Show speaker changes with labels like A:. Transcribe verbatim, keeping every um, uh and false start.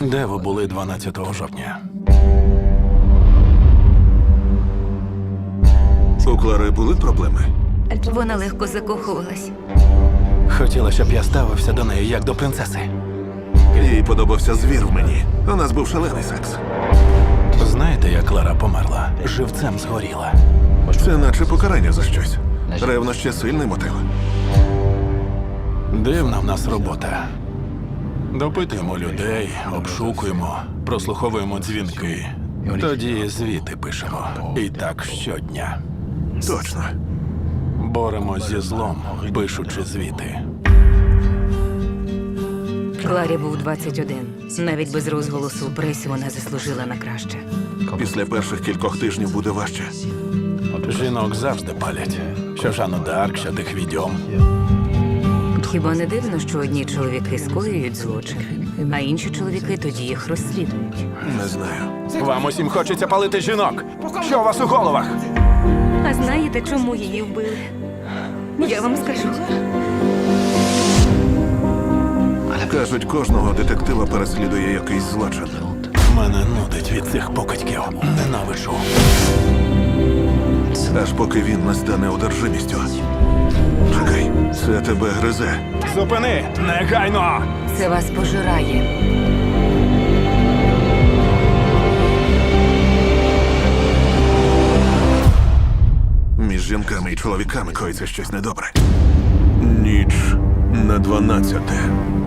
A: Де ви були дванадцятого жовтня?
B: У Клари були проблеми?
C: Вона легко закохувалась.
A: Хотіла, щоб я ставився до неї як до принцеси.
B: Їй подобався звір в мені. У нас був шалений секс.
A: Знаєте, як Клара померла? Живцем згоріла.
B: Це наче покарання за щось. Ревнощі – сильний мотив.
A: Дивна в нас робота. Допитуємо людей, обшукуємо, прослуховуємо дзвінки. Тоді звіти пишемо. І так щодня.
B: Точно.
A: Боремось зі злом, пишучи звіти.
C: Кларі був двадцять один. Навіть без розголосу у пресі вона заслужила на краще.
B: Після перших кількох тижнів буде важче.
A: Жінок завжди палять. Що Жанну д'Арк, що тих відьом.
C: Хіба не дивно, що одні чоловіки скоюють злочин, а інші чоловіки тоді їх розслідують?
B: Не знаю.
A: Вам усім хочеться палити жінок. Що у вас у головах?
C: А знаєте, чому її вбили? Я вам скажу.
B: Кажуть, кожного детектива переслідує якийсь злочин.
A: Мене нудить від цих покидьків. Ненавиджу.
B: Аж поки він не стане одержимістю. Чекай, це тебе гризе.
A: Зупини! Негайно!
C: Це вас пожирає.
B: Між жінками і чоловіками коїться щось недобре. Ніч на дванадцяте.